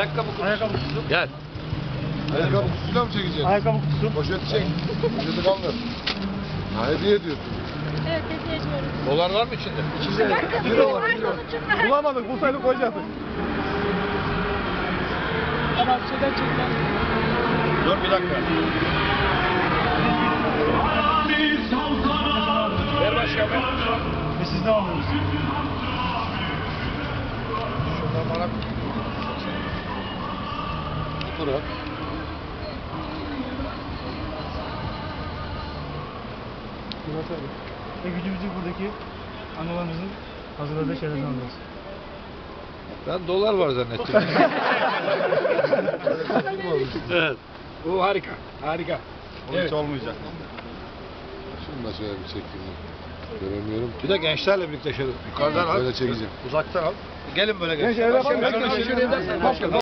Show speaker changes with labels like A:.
A: Ayakkabı kutusu.
B: Ayakkabı kutusu.
A: Gel.
C: Ayakkabı kutusuyla mı çekeceksin?
B: Ayakkabı kutusu.
C: Poşeti çek. Poşeti kaldır. Ha, hediye ediyorsun.
D: Evet, hediye ediyoruz.
A: Dolar var mı içinde?
C: Euro var, euro.
B: Bulamadık, bulsaydık koyacaktık. Tamam, şeyden çekten.
A: Dur bir dakika. Ver başkanım.
B: Ve siz ne alıyorsunuz?
A: Şuradan bana
C: Fotoğraf.
B: Murat abi. Ve gücümüzü buradaki analarımızın hazırladığı şeylerden alıyoruz.
A: ben dolar var zannettim. Evet. Bu harika. Harika.
B: Onun hiç olmayacak.
C: Şunu da şöyle bir çekeyim. Göremiyorum.
A: Bir de gençlerle birlikte şöyle yukarıdan al.
C: Böyle çekeceğim.
A: Uzaktan al. Gelin böyle
B: Genç,
A: gençler.
B: öyle yapalım.
A: Başkanım,
B: Genç,
A: şöyle edersen başkanım.